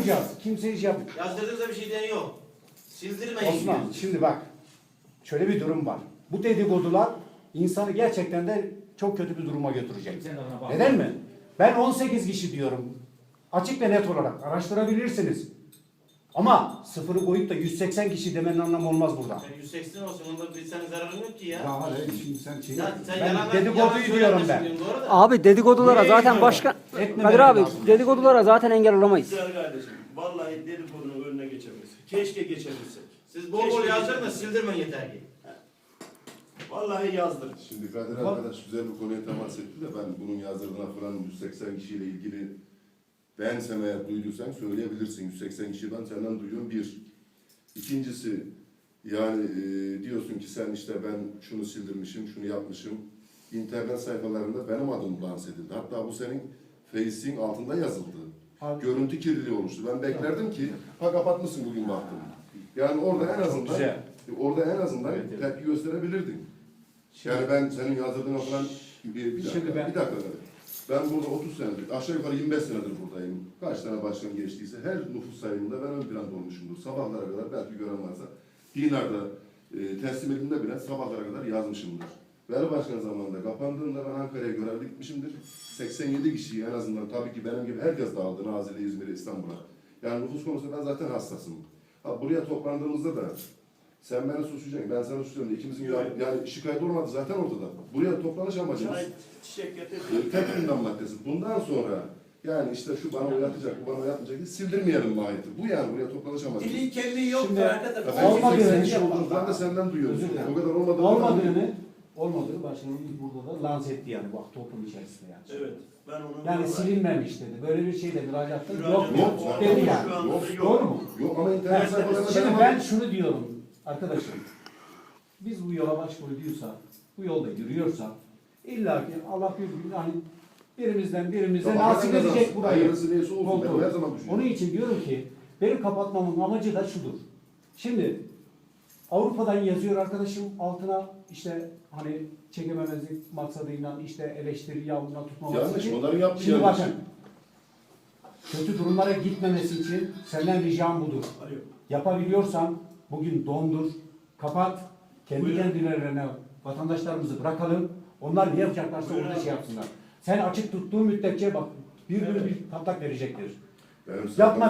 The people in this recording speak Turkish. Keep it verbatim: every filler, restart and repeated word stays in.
yapmayacağız. Kimse iş yap. Yazdırdığınızda bir şey diyen yok. Sildirmeyin. Osman şimdi bak. Şöyle bir durum var. Bu dedikodular insanı gerçekten de çok kötü bir duruma götürecek. Neden mi? Ben on sekiz kişi diyorum. Açık ve net olarak araştırabilirsiniz. Ama sıfırı koyup da yüz seksen kişi demenin anlamı olmaz burada. Sen yüz seksen olsun, onda bir senin zararın yok ki ya. Ya hayır, şimdi sen şey Ya sen ben yalan- dedikoduyu yalan diyorum ben. söylemiyorsun, doğru da. Abi dedikodulara Nereye zaten gidiyorlar? başka... Etmemeleri Kadir abi lazım. dedikodulara zaten engel olamayız. Güzel kardeşim. Vallahi dedikodunun önüne geçemeyiz. Keşke geçebilsek. Siz bol bol yazdırın da sildirmeyin yeter ki. Vallahi yazdır. Şimdi Kadir arkadaş güzel bir konuya temas etti de ben bunun yazdırdığına falan yüz seksen kişiyle ilgili ben sen eğer duyduysan söyleyebilirsin. yüz seksen kişi ben senden duyuyorum bir. İkincisi yani e, diyorsun ki sen işte ben şunu sildirmişim, şunu yapmışım. İnternet sayfalarında benim adım lanse edildi. Hatta bu senin Face'in altında yazıldı. Abi. Görüntü kirliliği oluştu. Ben beklerdim ki ha kapatmışsın bugün baktım. Yani orada en azından güzel. orada en azından Evet, evet. tepki gösterebilirdin. Yani ben senin yazdırdığına falan bir, bir dakika, Şimdi ben- bir dakika. Ben burada otuz senedir, aşağı yukarı yirmi beş senedir buradayım. Kaç tane başkan geçtiyse her nüfus sayımında ben ön planda olmuşumdur. Sabahlara kadar belki gören varsa Dinar'da e, teslim edildiğinde bile sabahlara kadar yazmışımdır. Veli Başkan zamanında kapandığında ben Ankara'ya görevli gitmişimdir. seksen yedi kişiyi en azından tabii ki benim gibi herkes dağıldı Nazilli, İzmir'e, İstanbul'a. Yani nüfus konusunda ben zaten hassasım. Ha, buraya toplandığımızda da sen beni suçlayacaksın, ben sana suçluyorum. İkimizin Yok. yani, yani şikayet olmadı zaten ortada. Buraya toplanış amacımız Çay, çiçek getir. e, tek gündem maddesi. Bundan sonra yani işte şu bana uyatacak, bu bana uyatmayacak diye sildirmeyelim mahiyeti. Bu yani buraya toplanış amacımız. Dilin kelliği yok Şimdi- da arkadaş. Ya ben Olmadı seksen yani. kişi olduğunu ben de senden duyuyorum. Özür dilerim. O kadar olmadığını Olmadığını, olmadığını başkanımız burada da lanse etti yani bak toplum içerisinde yani. Evet. Ben onu Yani silinmemiş dedi. Böyle bir şeyle müracaatta Müracaat yok yok. yok dedi yani. Şu anda Yok. yok. Doğru mu? Yok ama internet Evet, sayfalarında şimdi benim ben adım- şunu diyorum arkadaşım. Biz bu yola baş koyduysak, bu yolda yürüyorsak illa ki Allah bir gün hani birimizden birimize Ya nasip hakikaten edecek burayı. hayırlısı neyse olsun. Ben Koltuğu. her zaman düşünüyorum. Onun için diyorum ki benim kapatmamın amacı da şudur. Şimdi Avrupa'dan yazıyor arkadaşım altına işte hani çekememezlik maksadıyla işte eleştiri yağmuruna tutmaması Yanlış, için. onların yaptığı Şimdi yanlış. bakın kötü durumlara gitmemesi için senden ricam budur. Alo. Yapabiliyorsan bugün dondur, kapat, kendi Buyurun. kendilerine vatandaşlarımızı bırakalım. Onlar ne yapacaklarsa Buyurun orada abi. şey yapsınlar. Sen açık tuttuğun müddetçe bak bir gün Evet. bir patlak verecektir. Benim Yapma